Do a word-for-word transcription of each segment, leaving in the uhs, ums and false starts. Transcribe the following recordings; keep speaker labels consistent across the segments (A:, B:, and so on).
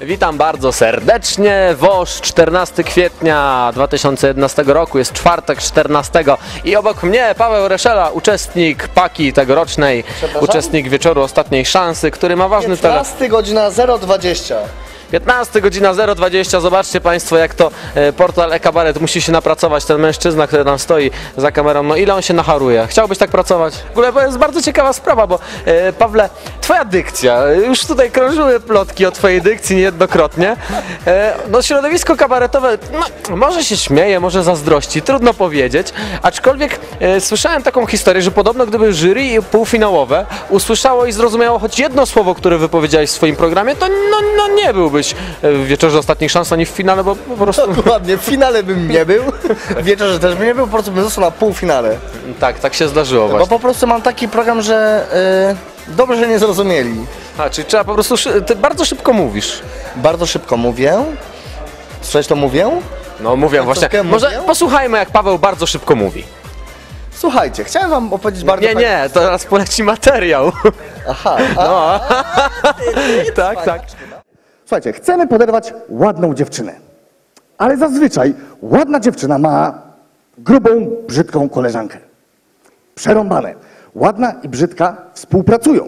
A: Witam bardzo serdecznie. WOŚ czternastego kwietnia dwa tysiące jedenastego roku, jest czwartek czternastego i obok mnie Paweł Reszela, uczestnik paki tegorocznej, uczestnik wieczoru ostatniej szansy, który ma ważny temat.
B: piętnasta godzina zero dwadzieścia.
A: piętnasta godzina zero dwadzieścia. Zobaczcie Państwo, jak to e, portal e-kabaret musi się napracować. Ten mężczyzna, który tam stoi za kamerą, no ile on się nacharuje. Chciałbyś tak pracować? W ogóle to jest bardzo ciekawa sprawa, bo e, Pawle, twoja dykcja, już tutaj krążyły plotki o twojej dykcji niejednokrotnie. E, no środowisko kabaretowe, no, może się śmieje, może zazdrości, trudno powiedzieć. Aczkolwiek e, słyszałem taką historię, że podobno gdyby jury półfinałowe usłyszało i zrozumiało choć jedno słowo, które wypowiedziałeś w swoim programie, to no, no nie byłby w wieczorze ostatnich szans, ani w finale, bo po prostu...
B: Dokładnie, w finale bym nie był, w wieczorze też bym nie był, po prostu bym został na półfinale.
A: Tak, tak się zdarzyło właśnie.
B: Bo po prostu mam taki program, że yy, dobrze, że nie zrozumieli.
A: A, czyli trzeba po prostu, ty bardzo szybko mówisz.
B: Bardzo szybko mówię. Coś to mówię?
A: No mówię właśnie. Może
B: mówię?
A: posłuchajmy, jak Paweł bardzo szybko mówi.
B: Słuchajcie, chciałem wam opowiedzieć bardzo...
A: Nie, nie, to teraz poleci materiał.
B: Aha.
A: No. Tak, tak.
C: Słuchajcie, chcemy poderwać ładną dziewczynę, ale zazwyczaj ładna dziewczyna ma grubą, brzydką koleżankę. Przerąbane. Ładna i brzydka współpracują.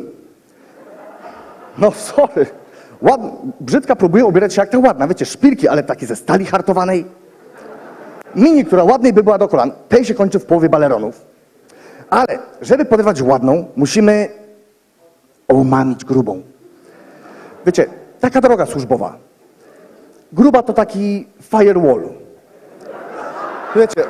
C: No sorry. Ład... Brzydka próbuje ubierać się jak ta ładna, wiecie, szpilki, ale takie ze stali hartowanej. Mini, która ładnej by była do kolan, tej się kończy w połowie baleronów. Ale żeby poderwać ładną, musimy omamić grubą. Wiecie, taka droga służbowa. Gruba to taki firewall. Wiecie.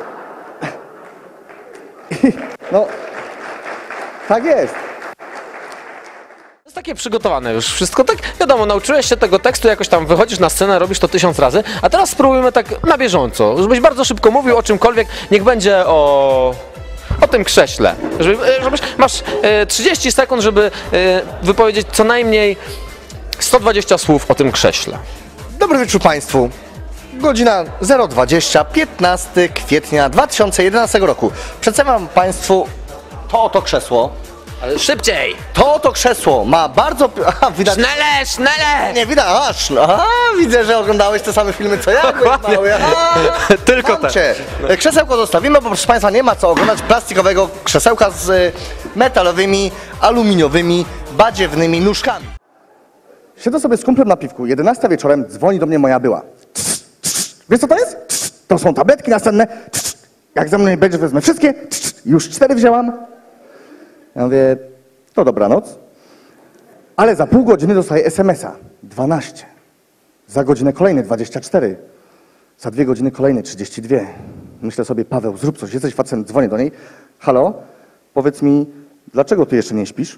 C: No, tak jest.
A: To jest takie przygotowane już wszystko, tak wiadomo, nauczyłeś się tego tekstu, jakoś tam wychodzisz na scenę, robisz to tysiąc razy, a teraz spróbujmy tak na bieżąco, żebyś bardzo szybko mówił o czymkolwiek, niech będzie o... o tym krześle. Żeby, żebyś, masz e, trzydzieści sekund, żeby e, wypowiedzieć co najmniej sto dwadzieścia słów o tym krześle.
B: Dobry wieczór Państwu. Godzina zero dwadzieścia, piętnastego kwietnia dwa tysiące jedenastego roku. Przedstawiam Państwu to oto krzesło.
A: Ale szybciej!
B: To oto krzesło ma bardzo... Aha, widać...
A: Sznele, sznele!
B: Nie, widać, aż, aha, widzę, że oglądałeś te same filmy co ja.
A: Dokładnie.
B: Mały, aha,
A: Tylko te.
B: cię. Krzesełko zostawimy, bo proszę Państwa nie ma co oglądać plastikowego krzesełka z y, metalowymi, aluminiowymi, badziewnymi nóżkami.
C: Siedzę sobie z kumplem na piwku, jedenasta wieczorem, dzwoni do mnie moja była. Wiesz co to jest? To są tabletki następne. Jak ze mną nie będziesz, wezmę wszystkie. Już cztery wzięłam. Ja mówię, to dobranoc. Ale za pół godziny dostaję es em es a. dwanaście. Za godzinę kolejne dwadzieścia cztery. Za dwie godziny kolejne trzydzieści dwa. Myślę sobie, Paweł, zrób coś, jesteś facetem, dzwonię do niej. Halo, powiedz mi, dlaczego ty jeszcze nie śpisz?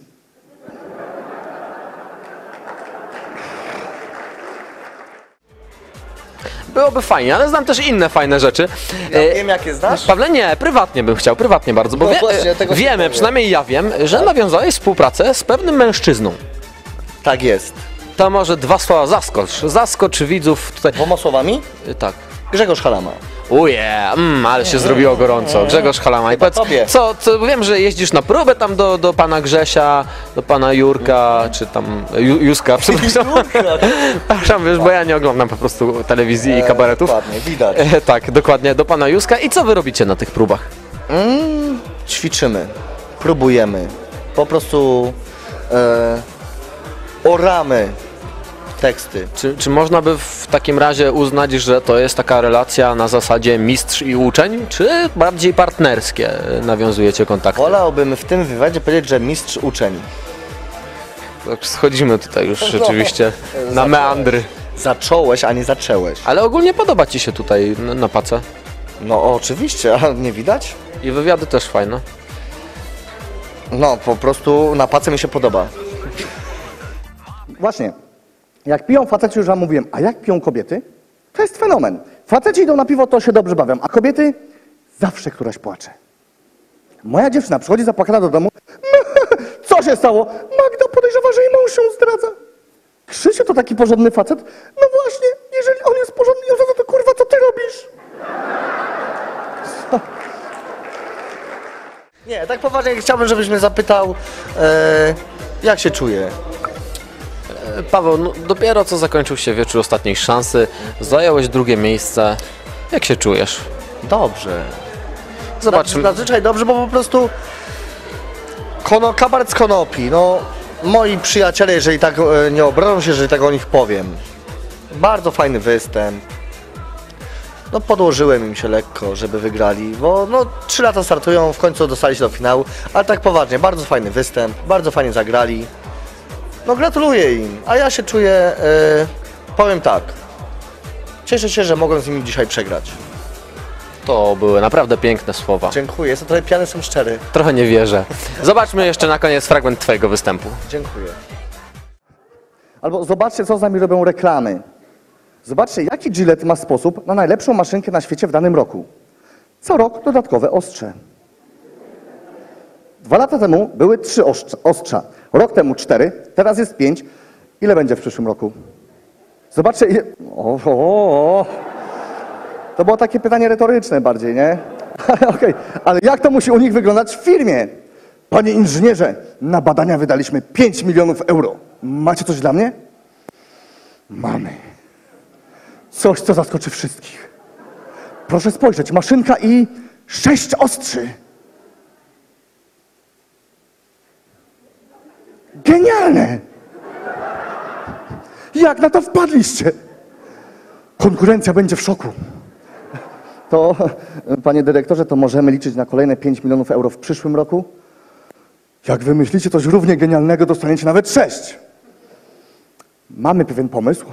A: Byłoby fajnie, ale znam też inne fajne rzeczy.
B: Ja
A: E,
B: wiem, jakie znasz.
A: Pawle, nie, prywatnie bym chciał, prywatnie bardzo, bo
B: No
A: wie,
B: właśnie, tego się
A: wiemy,
B: powiem.
A: przynajmniej ja wiem, że nawiązałeś współpracę z pewnym mężczyzną.
B: Tak jest.
A: To może dwa słowa zaskocz, zaskocz widzów tutaj.
B: Dwoma słowami?
A: E, Tak.
B: Grzegorz Halama.
A: Uje, mm, ale się zrobiło gorąco. Grzegorz Halama. I powiedz,
B: tobie.
A: co, co, wiem, że jeździsz na próbę tam do, do pana Grzesia, do pana Jurka, czy tam Ju, Józka, przepraszam. Przepraszam, wiesz, bo ja nie oglądam po prostu telewizji i kabaretów.
B: Dokładnie, widać.
A: E, tak, dokładnie, do pana Józka. I co wy robicie na tych próbach?
B: Mm, ćwiczymy, próbujemy, po prostu e, oramy teksty.
A: Czy, czy można by w takim razie uznać, że to jest taka relacja na zasadzie mistrz i uczeń, czy bardziej partnerskie nawiązujecie kontakty?
B: Wolałbym w tym wywiadzie powiedzieć, że mistrz uczeń.
A: Tak, schodzimy tutaj już rzeczywiście na
B: Zacząłeś.
A: meandry.
B: Zacząłeś, a nie zaczęłeś.
A: Ale ogólnie podoba ci się tutaj na, na pace?
B: No oczywiście, a nie widać?
A: I wywiady też fajne.
B: No po prostu na pace mi się podoba.
C: Właśnie. Jak piją faceci, już wam mówiłem, a jak piją kobiety? To jest fenomen. Faceci idą na piwo, to się dobrze bawią, a kobiety zawsze któraś płacze. Moja dziewczyna przychodzi zapłakana do domu. Co się stało? Magda podejrzewa, że jej mąż się zdradza. Krzysiu to taki porządny facet. No właśnie, jeżeli on jest porządny, to kurwa, co ty robisz?
B: Nie, tak poważnie chciałbym, żebyś mnie zapytał, e, jak się czuję.
A: Paweł, no, dopiero co zakończył się wieczór ostatniej szansy, zająłeś drugie miejsce. Jak się czujesz?
B: Dobrze.
A: Zobaczmy.
B: Zazwyczaj dobrze, bo po prostu kono, kabaret z konopi, no moi przyjaciele, jeżeli tak e, nie obrażą się, jeżeli tak o nich powiem. Bardzo fajny występ. No podłożyłem im się lekko, żeby wygrali, bo no trzy lata startują, w końcu dostali się do finału, ale tak poważnie, bardzo fajny występ, bardzo fajnie zagrali. No gratuluję im, a ja się czuję, e, powiem tak, cieszę się, że mogłem z nimi dzisiaj przegrać.
A: To były naprawdę piękne słowa.
B: Dziękuję, jestem trochę pijany, jestem szczery.
A: Trochę nie wierzę. Zobaczmy jeszcze na koniec fragment twojego występu.
B: Dziękuję.
C: Albo zobaczcie, co z nami robią reklamy. Zobaczcie, jaki Gillette ma sposób na najlepszą maszynkę na świecie w danym roku. Co rok dodatkowe ostrze. Dwa lata temu były trzy ostrza, ostrza. Rok temu cztery, teraz jest pięć. Ile będzie w przyszłym roku? Zobaczcie, ile... O, o, o. To było takie pytanie retoryczne bardziej, nie? Okej, ale jak to musi u nich wyglądać w firmie? Panie inżynierze, na badania wydaliśmy pięć milionów euro. Macie coś dla mnie? Mamy. Coś, co zaskoczy wszystkich. Proszę spojrzeć, maszynka i sześć ostrzy. Genialne! Jak na to wpadliście? Konkurencja będzie w szoku. To, panie dyrektorze, to możemy liczyć na kolejne pięć milionów euro w przyszłym roku? Jak wymyślicie coś równie genialnego, dostaniecie nawet sześć. Mamy pewien pomysł,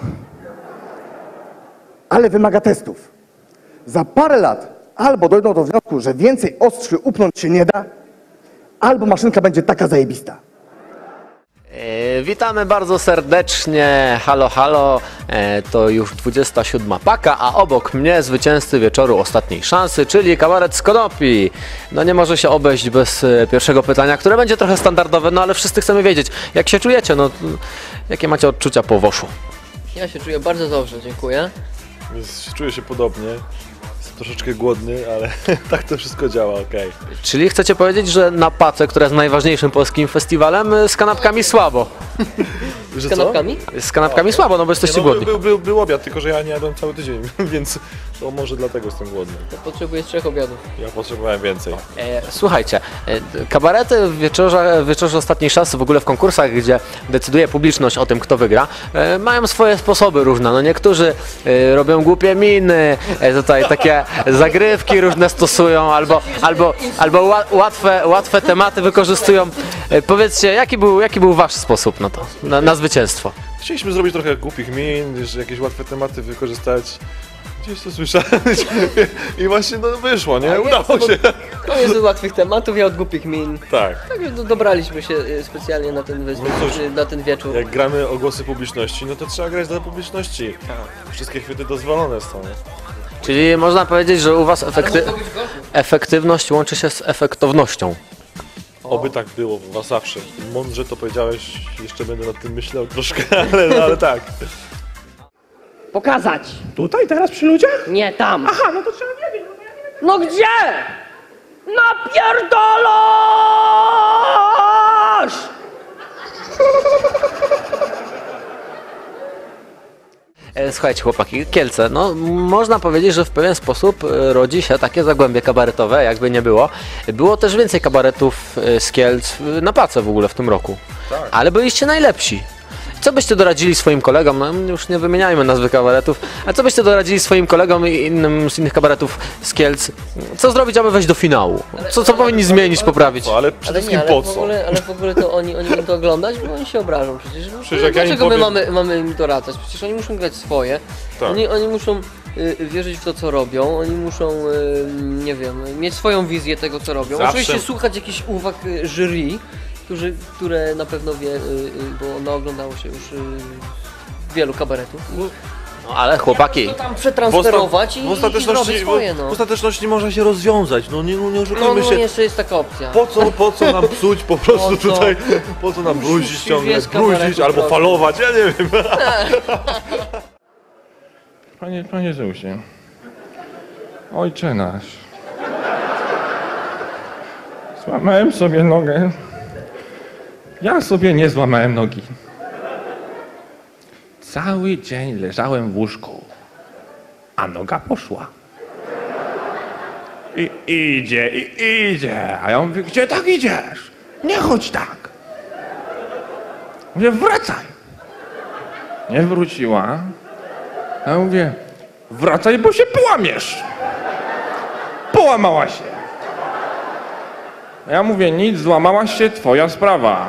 C: ale wymaga testów. Za parę lat albo dojdą do wniosku, że więcej ostrzy upnąć się nie da, albo maszynka będzie taka zajebista.
A: E, witamy bardzo serdecznie. Halo, halo. E, to już dwudziesta siódma paka, a obok mnie zwycięzcy wieczoru ostatniej szansy, czyli kabaret z konopi. No nie może się obejść bez e, pierwszego pytania, które będzie trochę standardowe, no ale wszyscy chcemy wiedzieć, jak się czujecie, no jakie macie odczucia po woszu?
D: Ja się czuję bardzo dobrze, dziękuję.
E: Więc czuję się podobnie. Jestem troszeczkę głodny, ale tak to wszystko działa, okej.
A: Czyli chcecie powiedzieć, że na Pace, która jest najważniejszym polskim festiwalem, z kanapkami słabo.
E: Że
D: Z kanapkami?
A: Z kanapkami słabo, no bo jesteście
E: No, był,
A: głodni.
E: był, był, był obiad, tylko że ja nie jadłem cały tydzień, więc to może dlatego jestem głodny.
D: To potrzebuję trzech obiadów.
E: Ja potrzebowałem więcej.
A: E, słuchajcie, e, kabarety w wieczorze, w wieczorze ostatniej szansy, w ogóle w konkursach, gdzie decyduje publiczność o tym, kto wygra, e, mają swoje sposoby różne. No niektórzy e, robią głupie miny, e, tutaj takie zagrywki różne stosują, albo, albo, albo ła, łatwe, łatwe tematy wykorzystują. E, powiedzcie, jaki był, jaki był wasz sposób na to, na, na zwycięstwo?
E: Chcieliśmy zrobić trochę głupich min, że jakieś łatwe tematy wykorzystać. Gdzieś to słyszałem i właśnie no, wyszło, nie? Udało się.
D: Koniec od łatwych tematów, ja od głupich min.
E: Tak.
D: Także do, dobraliśmy się y, specjalnie na ten, występ,
E: No cóż,
D: y, na ten wieczór.
E: Jak gramy o głosy publiczności, no to trzeba grać dla publiczności. Wszystkie chwyty dozwolone są.
A: Czyli można powiedzieć, że u was efekty, efektywność łączy się z efektownością.
E: Oby tak było u was zawsze. Mądrze to powiedziałeś, jeszcze będę nad tym myślał troszkę, ale, ale tak.
F: Pokazać.
G: Tutaj, teraz przy ludziach?
F: Nie tam.
G: Aha, no to trzeba wiedzieć. No to ja nie wiem.
F: No gdzie? Napierdolasz!
A: E, Słuchajcie chłopaki, Kielce, no można powiedzieć, że w pewien sposób e, rodzi się takie zagłębie kabaretowe, jakby nie było. Było też więcej kabaretów e, z Kielc e, na Pace w ogóle w tym roku, ale byliście najlepsi. Co byście doradzili swoim kolegom, no już nie wymieniajmy nazwy kabaretów, a co byście doradzili swoim kolegom i innym z innych kabaretów z Kielc? Co zrobić, aby wejść do finału? Co, co powinni zmienić, poprawić?
E: Co, ale przede
D: Ale
E: wszystkim
D: nie, ale
E: po
D: w,
E: co?
D: ogóle, ale w ogóle to oni, oni będą to oglądać, bo oni się obrażą przecież. No,
E: Przecież jak ja im
D: dlaczego my
E: powiem-
D: mamy, mamy im doradzać? Przecież oni muszą grać swoje.
E: Tak.
D: Oni, oni muszą y, wierzyć w to, co robią. Oni muszą, y, nie wiem, mieć swoją wizję tego, co robią.
E: Zawsze-
D: Oczywiście słuchać jakichś uwag y, jury, którzy, które na pewno wie, y, y, bo ono oglądało się już y, wielu kabaretów.
A: No ale chłopaki,
D: To tam
E: W,
D: przetransferować
E: osta-
D: i,
E: w,
D: i
E: ostateczności,
D: zrobić swoje, no.
E: w ostateczności można się rozwiązać, no nie, no, nie
D: No,
E: oszukujmy
D: no
E: się.
D: jeszcze jest taka opcja.
E: Po co, po co nam psuć po prostu
D: Po co?
E: tutaj, po co nam bruzić
D: Musisz
E: ciągle,
D: wiesz, kabaretu
E: bruzić albo
D: trochę.
E: falować, ja nie wiem.
G: Panie, panie Zeusie. Ojcze nasz. Złamałem sobie nogę. Ja sobie nie złamałem nogi. Cały dzień leżałem w łóżku, a noga poszła. I idzie, i idzie. A ja mówię, gdzie tak idziesz? Nie chodź tak. Mówię, wracaj. Nie wróciła. A ja mówię, wracaj, bo się połamiesz. Połamała się. A ja mówię, nic, złamałaś się, twoja sprawa.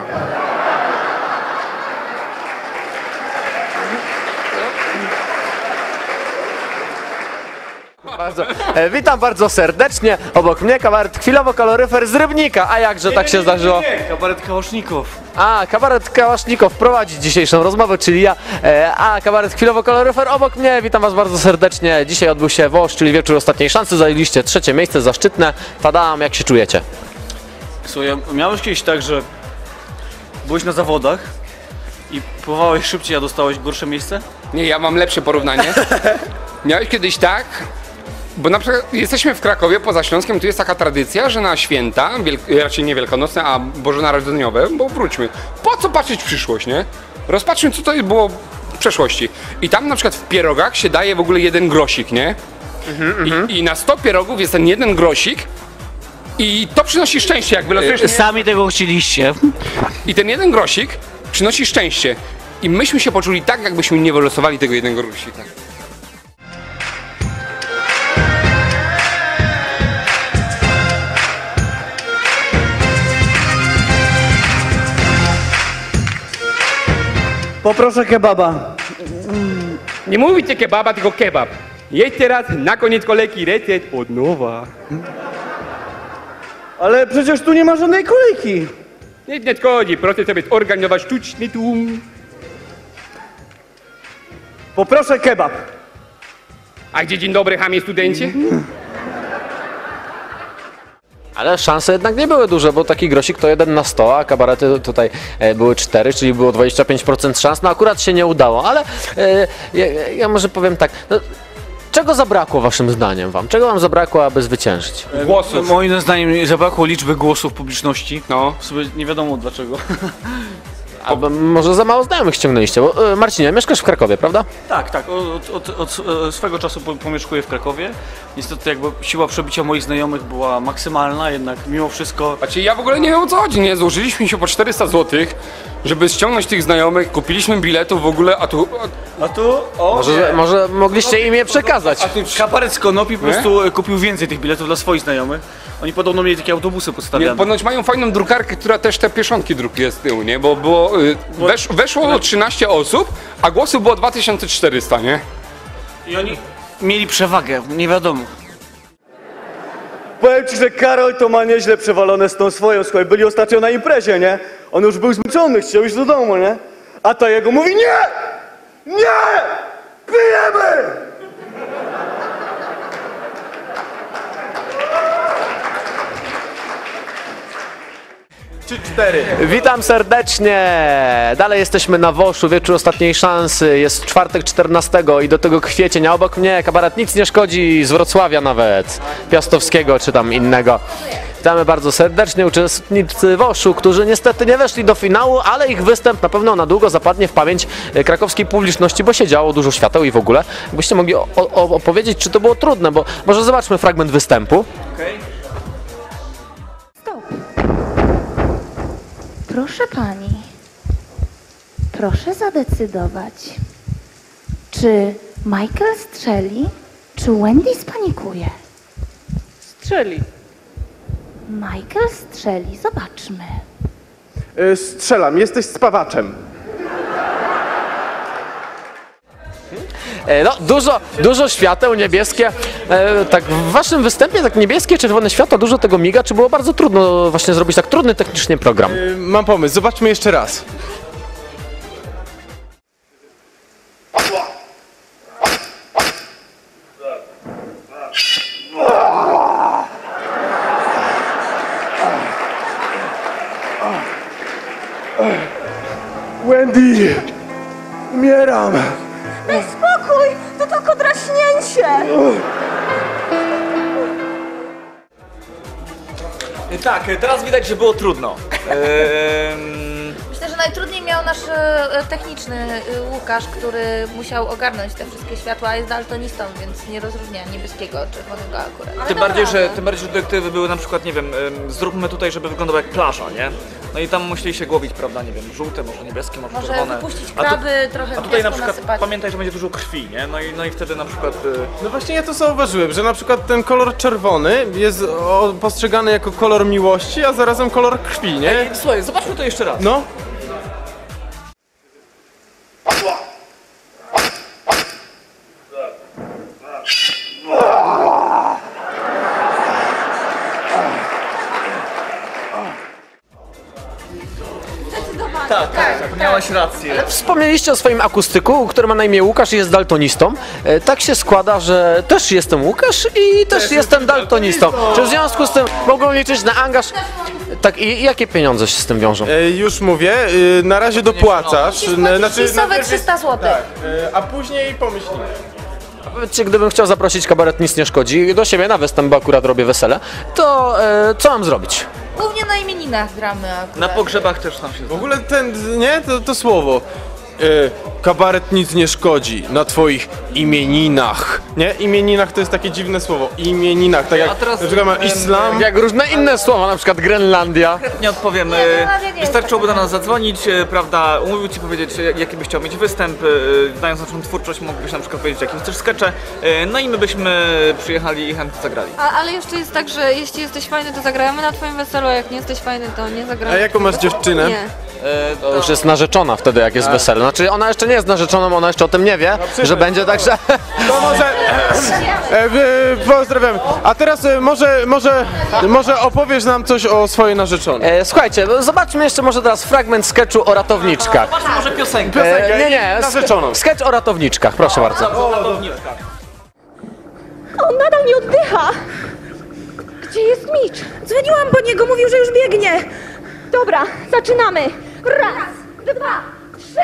A: Bardzo. E, witam bardzo serdecznie. Obok mnie kabaret chwilowo kaloryfer z Rybnika. A jakże tak się zdarzyło?
F: Kabaret Kałaszników.
A: A, kabaret Kałasznikow prowadzi dzisiejszą rozmowę, czyli ja. E, a, kabaret chwilowo kaloryfer obok mnie. Witam was bardzo serdecznie. Dzisiaj odbył się WOŚ, czyli wieczór ostatniej szansy. Zajęliście trzecie miejsce, zaszczytne. Tadam, jak się czujecie?
F: Słuchaj, miałeś kiedyś tak, że byłeś na zawodach i pływałeś szybciej, a dostałeś gorsze miejsce?
H: Nie, ja mam lepsze porównanie. Miałeś kiedyś tak, bo na przykład jesteśmy w Krakowie, poza Śląskiem, tu jest taka tradycja, że na święta, wielk- raczej nie wielkanocne, a bożonarodzeniowe, bo wróćmy, po co patrzeć w przyszłość, nie? Rozpatrzmy, co to było w przeszłości. I tam na przykład w pierogach się daje w ogóle jeden grosik, nie? I, I na sto pierogów jest ten jeden grosik i to przynosi szczęście, jak wylosujesz... nie?
F: Sami tego chcieliście.
H: I ten jeden grosik przynosi szczęście. I myśmy się poczuli tak, jakbyśmy nie wylosowali tego jednego grosika.
I: Poproszę kebaba.
H: Nie mówicie kebaba, tylko kebab. Jedź teraz na koniec kolejki recept od nowa.
I: Ale przecież tu nie ma żadnej kolejki.
H: Nic nie szkodzi, proszę sobie zorganizować sztuczny tłum.
I: Poproszę kebab.
H: A gdzie dzień dobry, chamie studencie?
A: Ale szanse jednak nie były duże, bo taki grosik to jeden na sto, a kabarety tutaj e, były cztery, czyli było dwadzieścia pięć procent szans. No akurat się nie udało, ale e, ja, ja może powiem tak. No, czego zabrakło waszym zdaniem wam? Czego wam zabrakło, aby zwyciężyć?
H: Głosów.
F: Moim zdaniem zabrakło liczby głosów publiczności.
H: No.
F: W sobie nie wiadomo dlaczego.
A: Albo może za mało znajomych ściągnęliście, bo e, Marcinie, mieszkasz w Krakowie, prawda?
F: Tak, tak. Od, od, od, od swego czasu po- pomieszkuję w Krakowie. Niestety jakby siła przebicia moich znajomych była maksymalna, jednak mimo wszystko...
H: Znaczy ja w ogóle nie wiem, o co chodzi, nie? Złożyliśmy się po czterysta złotych, żeby ściągnąć tych znajomych, kupiliśmy biletów w ogóle, a tu...
F: A tu... O,
A: Może, może mogliście im je przekazać.
F: Kabaret z Konopi po prostu e, kupił więcej tych biletów dla swoich znajomych. Oni podobno mieli takie autobusy
H: Nie,
F: postawione.
H: ponoć mają fajną drukarkę, która też te pieszonki drukuje z tyłu, nie? Bo było... y, Wesz, weszło trzynaście osób, a głosów było dwa tysiące czterysta, nie?
F: I oni mieli przewagę, nie wiadomo.
I: Powiem ci, że Karol to ma nieźle przewalone z tą swoją, słuchaj, byli ostatnio na imprezie, nie? On już był zmęczony, chciał iść do domu, nie? A ta jego mówi, nie! Nie! Pijemy!
A: Witam serdecznie! Dalej jesteśmy na Woszu, wieczór ostatniej szansy. Jest czwartek czternastego i do tego kwiecień, a obok mnie kabaret Nic nie szkodzi z Wrocławia nawet, Piastowskiego czy tam innego. Witamy bardzo serdecznie uczestnicy Woszu, którzy niestety nie weszli do finału, ale ich występ na pewno na długo zapadnie w pamięć krakowskiej publiczności, bo się działo dużo świateł i w ogóle. Jakbyście mogli o, o, opowiedzieć, czy to było trudne, bo może zobaczmy fragment występu.
J: Stop. Proszę pani, proszę zadecydować, czy Michael strzeli, czy Wendy spanikuje?
I: Strzeli.
J: Michael strzeli, zobaczmy.
I: Y, strzelam, jesteś spawaczem.
A: E, No, dużo, dużo świateł, niebieskie. E, tak w waszym występie tak niebieskie, czerwone światło, dużo tego miga. Czy było bardzo trudno właśnie zrobić tak trudny technicznie program?
K: Mam pomysł, zobaczmy jeszcze raz. Wendy! Umieram!
J: Daj spokój, to tylko draśnięcie.
F: Tak, teraz widać, że było trudno. Ehm,
J: Myślę, że
L: najtrudniej miał nasz e, techniczny e, Łukasz, który musiał ogarnąć te wszystkie światła, a jest daltonistą, więc nie rozróżnia niebieskiego od czerwonego akurat. Ale
F: Tym bardziej, że, tym bardziej, że dyrektywy były na przykład, nie wiem, ym, zróbmy tutaj, żeby wyglądało jak plaża, nie? No i tam musieli się głowić, prawda, nie wiem, żółte, może niebieskie, może,
L: Może
F: czerwone.
L: wypuścić
F: A tu-
L: kraby, trochę
F: A tutaj na
L: piasku
F: przykład
L: nasypać.
F: pamiętaj, że będzie dużo krwi, nie? No i, no i wtedy na przykład... Y,
K: No właśnie ja to zauważyłem, że na przykład ten kolor czerwony jest o, postrzegany jako kolor miłości, a zarazem kolor krwi, nie?
F: Ej, słuchaj, zobaczmy to jeszcze raz.
K: No.
F: Tak, tak, tak, miałaś rację.
A: Wspomnieliście o swoim akustyku, który ma na imię Łukasz i jest daltonistą. E, Tak się składa, że też jestem Łukasz i też jestem daltonistą. Czy w związku z tym mogą liczyć na angaż? Tak, i jakie pieniądze się z tym wiążą?
K: E, już mówię, e, na razie dopłacasz.
L: Musisz
K: n-
L: płacić fisowe
K: najpierw-
L: trzysta złotych.
K: Tak, e, a później pomyślimy.
A: Powiedzcie, gdybym chciał zaprosić kabaret Nic Nie Szkodzi do siebie na występ, bo akurat robię wesele, to e, co mam zrobić?
L: Głównie na imieninach gramy akurat.
F: Na pogrzebach też tam się
K: W ogóle ten, nie, to, to słowo. E, kabaret nic nie szkodzi na twoich imieninach. Nie? Imieninach to jest takie dziwne słowo. Imieninach, tak jak
F: A teraz,
K: na przykład ma
F: em,
K: islam.
A: Jak różne inne słowa, na przykład Grenlandia.
F: Nie odpowiem.
L: Nie,
F: e,
L: no, nie, nie
F: Wystarczyłoby do
L: jest
F: nas zadzwonić, e, prawda, umówił ci powiedzieć, e, jaki byś chciał mieć występ, e, znając naszą twórczość, mógłbyś na przykład powiedzieć, jakie chcesz skecze, e, no i my byśmy przyjechali i chętnie zagrali.
J: A, ale jeszcze jest tak, że jeśli jesteś fajny, to zagramy na twoim weselu, a jak nie jesteś fajny, to nie zagramy.
K: A jaką masz dziewczynę?
J: Nie.
F: E,
A: To już jest narzeczona wtedy, jak jest wesele. Znaczy, ona jeszcze nie jest narzeczoną, ona jeszcze o tym nie wie, że będzie, także...
K: To może. E, e, pozdrawiam. A teraz e, może, może, może opowiesz nam coś o swojej narzeczonej.
A: E, słuchajcie, no zobaczmy jeszcze może teraz fragment sketchu o ratowniczkach.
F: Masz może piosenkę.
A: E, nie, nie,
K: narzeczoną.
A: sketch o ratowniczkach, proszę bardzo.
J: On nadal nie oddycha! Gdzie jest Mitch?
L: Dzwoniłam po niego, mówił, że już biegnie.
J: Dobra, zaczynamy! Raz, dwa, trzy!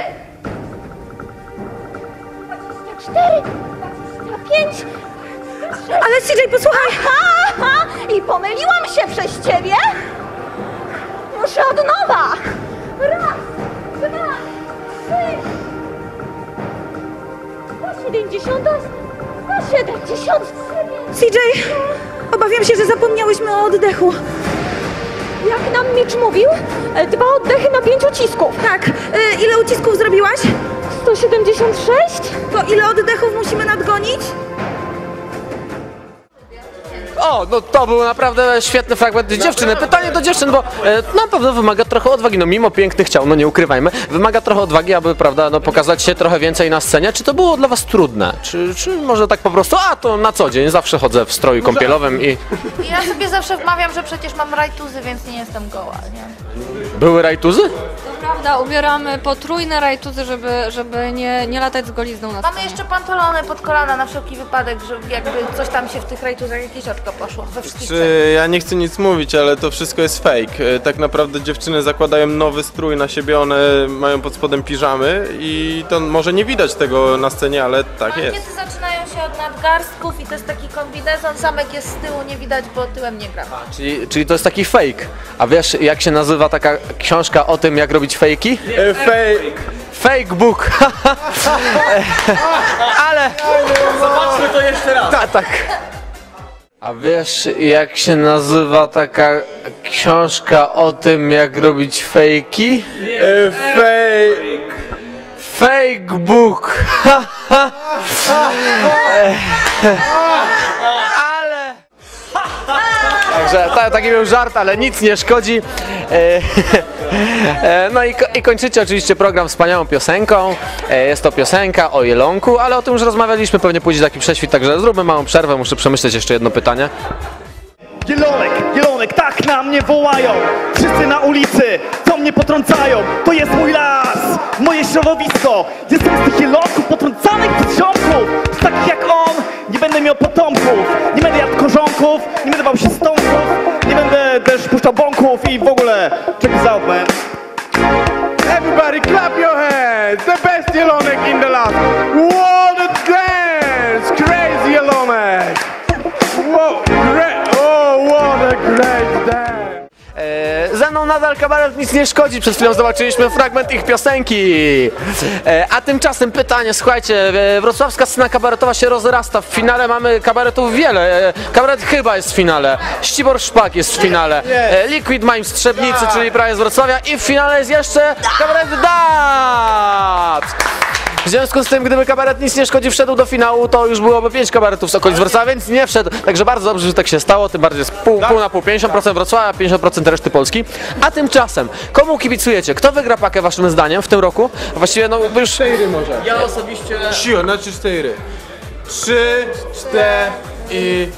J: dwadzieścia cztery, dwadzieścia pięć...
L: Ale C J, posłuchaj.
J: Aha! I pomyliłam się przez ciebie? Muszę od nowa! Raz, dwa, trzy... sto siedemdziesiąt osiem, sto siedemdziesiąt
L: C J, obawiam się, że zapomniałyśmy o oddechu.
J: Jak nam Mitch mówił, e, dwa oddechy na pięć ucisków.
L: Tak, y, ile ucisków zrobiłaś?
J: sto siedemdziesiąt sześć?
L: To ile oddechów musimy nadgonić?
A: O, no to był naprawdę świetny fragment dziewczyny. Pytanie do dziewczyn, bo e, na pewno wymaga trochę odwagi, no mimo pięknych ciał, no nie ukrywajmy, wymaga trochę odwagi, aby, prawda, no pokazać się trochę więcej na scenie. Czy to było dla was trudne? Czy, czy może tak po prostu, a to na co dzień, zawsze chodzę w stroju kąpielowym i...
L: Ja sobie zawsze wmawiam, że przecież mam rajtuzy, więc nie jestem goła, nie?
A: Były rajtuzy?
J: To prawda, ubieramy potrójne rajtuzy, żeby, żeby nie, nie latać z golizną na
L: Mamy
J: scenie.
L: jeszcze pantalony pod kolana na wszelki wypadek, że jakby coś tam się w tych rajtuzach, jakieś oczko poszło we wszystkich trzech.
K: Czy ja nie chcę nic mówić, ale to wszystko jest fake. E, Tak naprawdę dziewczyny zakładają nowy strój na siebie, one mają pod spodem piżamy i to może nie widać tego na scenie, ale tak jest.
L: Mankiety zaczynają się od nadgarstków i to jest taki kombinezon, zamek jest z tyłu, nie widać, bo tyłem nie gram.
A: Czyli, czyli to jest taki fake. A wiesz, jak się nazywa taka książka o tym, jak robić fejki?
K: E, Fake.
A: Fake book. Ale...
F: Zobaczmy to jeszcze raz.
A: Tak, tak. A wiesz, jak się nazywa taka książka o tym, jak robić fejki?
K: E, Fake.
A: Fake book. Ale... Także ta, taki był żart, ale nic nie szkodzi. E, e, No i, ko- i kończycie oczywiście program wspaniałą piosenką. E, Jest to piosenka o jelonku, ale o tym już rozmawialiśmy, pewnie pójdzie taki prześwit, także zróbmy małą przerwę, muszę przemyśleć jeszcze jedno pytanie.
I: Jelonek, jelonek, tak na mnie wołają. Wszyscy na ulicy, co mnie potrącają. To jest mój las, moje środowisko. Jestem z tych jelonków potrącanych przez ziomków. Z takich jak on, nie będę miał potomków. Nie będę jadł korzonków, nie będę bał się stomków. Nie będę też puszczał bąków i w ogóle. Check this out, man.
K: Everybody clap your hands! The best Jelonek in the land! What a dance! Crazy Jelonek! Wow, great! Oh, what a great dance!
A: E, Ze mną nadal kabaret Nic nie szkodzi. Przed chwilą zobaczyliśmy fragment ich piosenki. E, a tymczasem pytanie, słuchajcie, e, wrocławska scena kabaretowa się rozrasta. W finale mamy kabaretów wiele. E, kabaret Chyba jest w finale. Ścibor Szpak jest w finale. E, Liquid Mime Strzebnicy, czyli prawie z Wrocławia. I w finale jest jeszcze kabaret Dabs. W związku z tym, gdyby kabaret Nic nie szkodzi wszedł do finału, to już byłoby pięć kabaretów z okolic Wrocławia, więc nie wszedł. Także bardzo dobrze, że tak się stało, tym bardziej jest pół, pół na pół, pięćdziesiąt procent Wrocławia, pięćdziesiąt procent reszty Polski. A tymczasem, komu kibicujecie? Kto wygra pakę waszym zdaniem w tym roku? Właściwie no już...
K: Cztery może.
F: Ja osobiście...
K: Sio, znaczy cztery. Trzy, cztery i...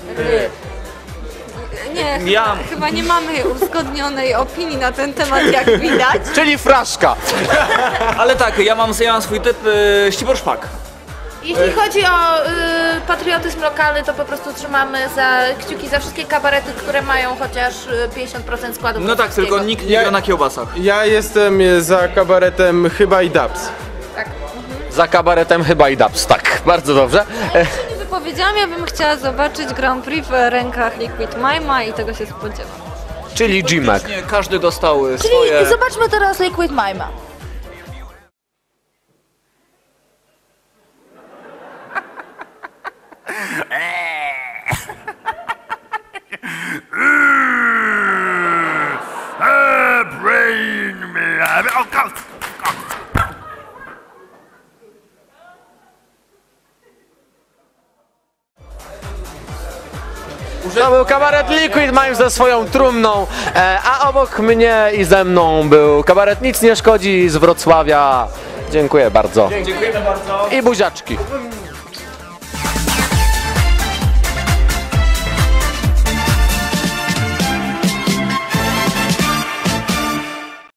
J: Nie,
F: Ja-
J: chyba, chyba nie mamy uzgodnionej opinii na ten temat, jak widać.
A: Czyli fraszka.
F: Ale tak, ja mam, ja mam swój typ y, Ścibor Szpak.
L: Jeśli chodzi o y, patriotyzm lokalny, to po prostu trzymamy za kciuki za wszystkie kabarety, które mają chociaż y, pięćdziesiąt procent składu
F: No tak,
L: wrocławskiego.
F: tylko nikt nie
K: Ja-
F: gra na kiełbasach.
K: Ja jestem za kabaretem Chyba i Dabs.
L: Tak.
A: Za kabaretem Chyba i Dabs, tak, bardzo dobrze. E,
J: Nie wypowiedziałam, ja bym chciała zobaczyć Grand Prix w rękach Liquid Mime'a i tego się spodziewam.
A: czyli G-Mac.
F: Nie, każdy dostał y,
L: Czyli
F: swoje...
L: zobaczmy teraz Liquid Mime'a.
A: To był kabaret Liquid Mime ze swoją trumną, e, a obok mnie i ze mną był kabaret Nic nie szkodzi z Wrocławia. Dziękuję bardzo.
F: Dziękujemy bardzo.
A: I buziaczki.